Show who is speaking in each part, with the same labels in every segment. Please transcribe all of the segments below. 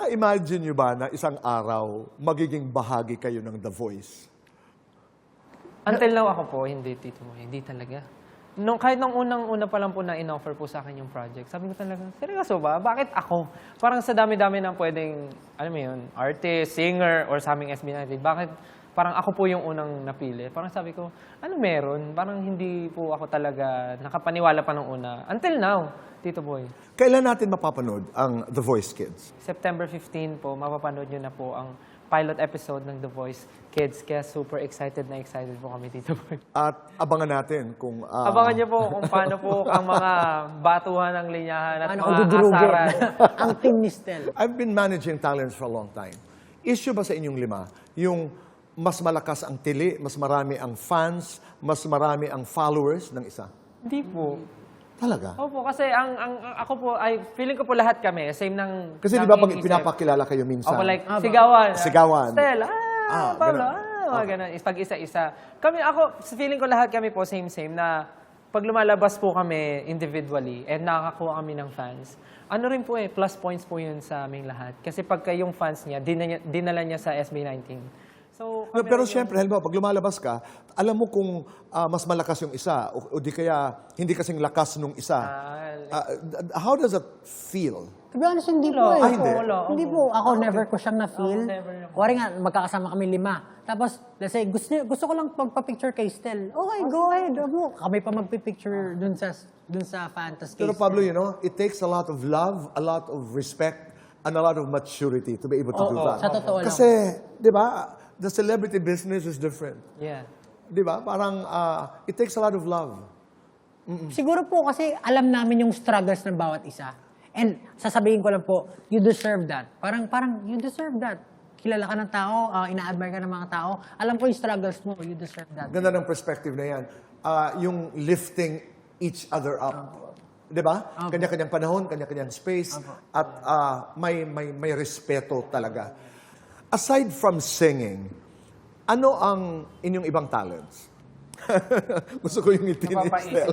Speaker 1: Na-imagine nyo ba na isang araw magiging bahagi kayo ng The Voice?
Speaker 2: Until now ako po, hindi, Tito Boy. Hindi talaga. Kahit nung unang-una pa lang po na in-offer po sa akin yung project, sabi ko talaga, seryoso ba? Bakit ako? Parang sa dami-dami ng pwedeng, alam mo yun, artist, singer, or sa aming SB19, bakit parang ako po yung unang napili? Parang sabi ko, ano meron? Parang hindi po ako talaga nakapaniwala pa nung una. Until now, Tito Boy.
Speaker 1: Kailan natin mapapanood ang The Voice Kids?
Speaker 2: September 15 po, mapapanood nyo na po ang pilot episode ng The Voice Kids. Kaya super excited na excited po kami, Tito Boy.
Speaker 1: At abangan natin kung...
Speaker 2: Abangan niyo po kung paano po ang mga batuhan ng linyahan at
Speaker 3: Ano,
Speaker 2: mga
Speaker 3: ududurugin.
Speaker 2: asaran.
Speaker 3: Ang team ni Stel.
Speaker 1: I've been managing talents for a long time. Issue ba sa inyong lima yung mas malakas ang tili, mas marami ang fans, mas marami ang followers ng isa?
Speaker 2: Hindi po.
Speaker 1: Talaga?
Speaker 2: Opo, kasi ako po, feeling ko po lahat kami, same ng...
Speaker 1: Kasi di ba pag pinapakilala kayo minsan?
Speaker 2: Opo, like, sigawan.
Speaker 1: Sigawan.
Speaker 2: Stel, Pablo,
Speaker 1: ganun.
Speaker 2: mga ganun. Pag isa-isa. Feeling ko lahat kami po same-same na pag lumalabas po kami individually and nakakakuha kami ng fans, ano rin po plus points po yun sa aming lahat. Kasi pagka yung fans niya, dinala niya sa SB19. So,
Speaker 1: Pero siyempre, halimbawa, pag lumalabas ka, alam mo kung mas malakas yung isa o di kaya hindi kasing lakas nung isa. How does that feel?
Speaker 3: To be honest, hindi po eh.
Speaker 1: hindi.
Speaker 3: Hindi po. Ako, never ko siyang na-feel.
Speaker 2: never.
Speaker 3: Kuwari nga, magkakasama kami 5. Tapos, let's say, gusto ko lang magpa-picture kay Stel. Okay, go ahead. Kami pa magpipicture dun sa fantasy.
Speaker 1: Pero Pablo, you know, it takes a lot of love, a lot of respect, and a lot of maturity to be able to do that.
Speaker 3: Sa totoo lang.
Speaker 1: Kasi, di ba, the celebrity business is different.
Speaker 2: Yeah.
Speaker 1: Di ba? Parang, it takes a lot of love.
Speaker 3: Siguro po kasi alam namin yung struggles ng bawat isa. And sasabihin ko lang po, you deserve that. Parang you deserve that. Kilala ka ng tao, ina-admire ka ng mga tao. Alam ko yung struggles mo, you deserve that.
Speaker 1: Ganda ng perspective na yan. Yung lifting each other up. Di ba? Kanya-kanyang panahon, kanya-kanyang space, at may respeto talaga. Aside from singing, ano ang inyong ibang talents? Gusto ko yung ngiti ni
Speaker 2: Napapaisip
Speaker 1: Stel.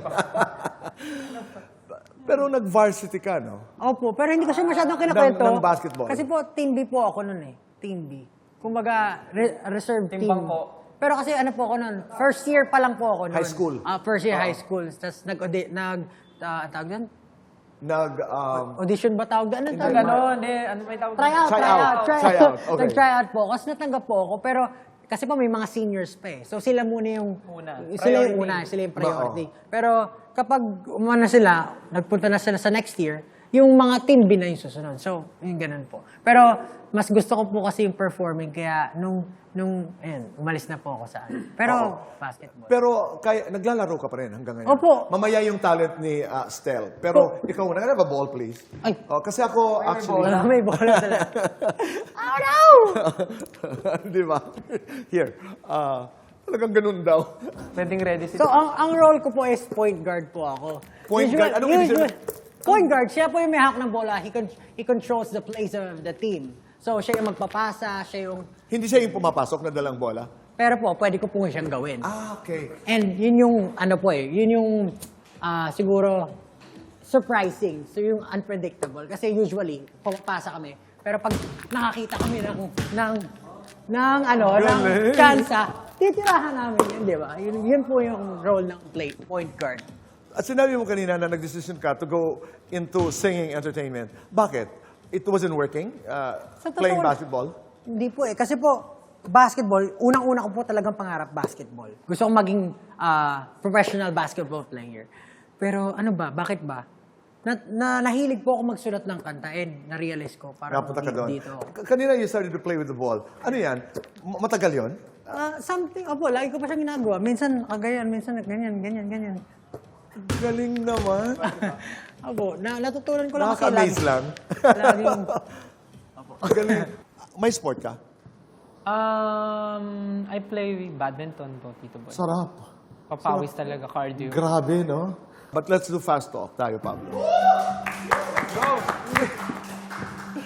Speaker 1: Pero nag-varsity ka, no?
Speaker 3: Opo, pero hindi ko siya masyadong kinakwento.
Speaker 1: Ng basketball?
Speaker 3: Kasi po, Team B po ako nun eh. Team B. Kumbaga, reserve team.
Speaker 2: Team Bangko.
Speaker 3: Pero kasi ano po ako nun, first year pa lang po ako nun.
Speaker 1: High school?
Speaker 3: First year high school. Tapos tawag yan? Audition ba tawag yan? Ano tawag?
Speaker 2: Ganon, ano may tawag?
Speaker 3: Tryout.
Speaker 1: Okay.
Speaker 3: Nag-tryout po. Kasi natanggap po ako. Pero kasi po may mga seniors pa eh. So sila muna yung... Sila yung una. Sila yung priority. Pero kapag umana sila, nagpunta na sila sa next year, yung mga team B na yung susunod. So, yung ganun po. Pero mas gusto ko po kasi yung performing. Kaya ayun, umalis na po ako sa Pero basketball.
Speaker 1: Pero naglalaro ka pa rin hanggang ngayon?
Speaker 3: Opo.
Speaker 1: Mamaya yung talent ni Stel. Pero ikaw na, have a ball, please.
Speaker 3: Ay.
Speaker 1: Kasi ako, actually...
Speaker 3: May bola sila. Oh no!
Speaker 1: Di ba? Here. Talagang ganun daw.
Speaker 2: Pwedeng ready si...
Speaker 3: So, ang role ko po is point guard po ako.
Speaker 1: Point guard? Anong ibig sabihin?
Speaker 3: Point guard, siya po yung may hawak ng bola. He controls the plays of the team. So, siya yung magpapasa, siya yung...
Speaker 1: Hindi siya yung pumapasok na dalang bola?
Speaker 3: Pero po, pwede ko po siyang gawin.
Speaker 1: Okay.
Speaker 3: And yun yung, yun yung siguro surprising. So, yung unpredictable. Kasi usually, pumapasa kami. Pero pag nakakita kami ng kansa, titirahan namin yun, di ba? Yun po yung role ng point guard.
Speaker 1: At sinabi mo kanina na nag-decision ka to go into singing entertainment. Bakit? It wasn't working? Playing basketball?
Speaker 3: Hindi po eh. Kasi po, basketball, unang-una ko po talagang pangarap basketball. Gusto kong maging professional basketball player. Pero ano ba? Bakit ba? Nahilig po ako magsulat ng kanta and na-realize ko parang
Speaker 1: Napunta ka doon.
Speaker 3: dito.
Speaker 1: Kanina you started to play with the ball. Ano yan? Matagal yon?
Speaker 3: Something, lagi ko pa siyang ginagawa. Minsan kagayan, minsan ganyan.
Speaker 1: Galing naman.
Speaker 3: Natutunan ko lang kasi
Speaker 1: Nakaka-amaze lang.
Speaker 3: laging,
Speaker 1: Galing. May sport ka?
Speaker 2: I play badminton po, Tito Boy.
Speaker 1: Sarap.
Speaker 2: Papawis talaga, cardio.
Speaker 1: Grabe, no? But let's do fast talk tayo, Pablo.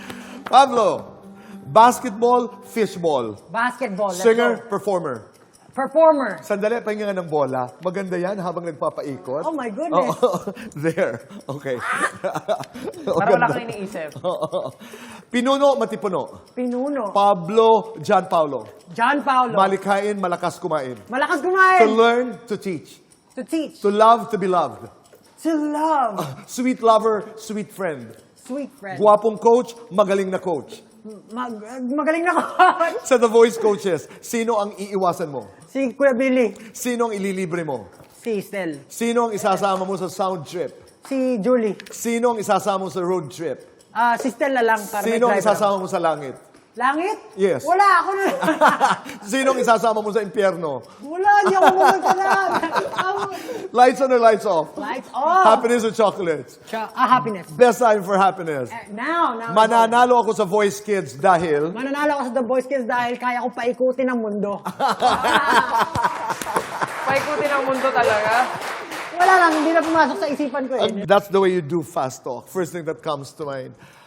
Speaker 1: Pablo, basketball, fishball.
Speaker 3: basketball. let's
Speaker 1: Singer,
Speaker 3: go.
Speaker 1: performer.
Speaker 3: Performer.
Speaker 1: Sandali, pahinga nga ng bola. Maganda yan habang nagpapaikot.
Speaker 3: Oh my goodness.
Speaker 1: There. Okay.
Speaker 2: Para wala kang iniisip.
Speaker 1: Pinuno, matipuno.
Speaker 3: Pinuno.
Speaker 1: Pablo, John Paulo.
Speaker 3: John Paulo.
Speaker 1: Malikain, malakas kumain.
Speaker 3: Malakas
Speaker 1: To
Speaker 3: kumain.
Speaker 1: learn, to teach.
Speaker 3: To teach.
Speaker 1: To love, to be loved.
Speaker 3: To love.
Speaker 1: Sweet lover, sweet friend.
Speaker 3: Sweet friend.
Speaker 1: Guwapong coach, magaling na coach.
Speaker 3: Magaling na ko.
Speaker 1: Sa The Voice Coaches, sino ang iiwasan mo?
Speaker 3: Si Kuya Billy.
Speaker 1: Sino ang ililibre mo?
Speaker 3: Si Stel.
Speaker 1: Sino ang isasama mo sa sound trip?
Speaker 3: Si Julie.
Speaker 1: Sino ang isasama mo sa road trip?
Speaker 3: Si Stel na lang para
Speaker 1: Sino ang
Speaker 3: may driver.
Speaker 1: isasama mo sa langit?
Speaker 3: Langit?
Speaker 1: Yes.
Speaker 3: Wala, ako na.
Speaker 1: Sino ang isasama mo sa impyerno?
Speaker 3: Wala, hindi ako pumunta na.
Speaker 1: Lights on or lights off?
Speaker 3: Lights off.
Speaker 1: Happiness or chocolates?
Speaker 3: Happiness.
Speaker 1: Best time for happiness.
Speaker 3: Now.
Speaker 1: Mananalo ako sa Voice Kids dahil
Speaker 3: Mananalo ako sa The Boys Kids dahil kaya ko paikutin ang mundo.
Speaker 2: Paikutin ang mundo talaga.
Speaker 3: Wala lang, hindi na pumasok sa isipan ko eh.
Speaker 1: that's the way you do fast talk. First thing that comes to mind.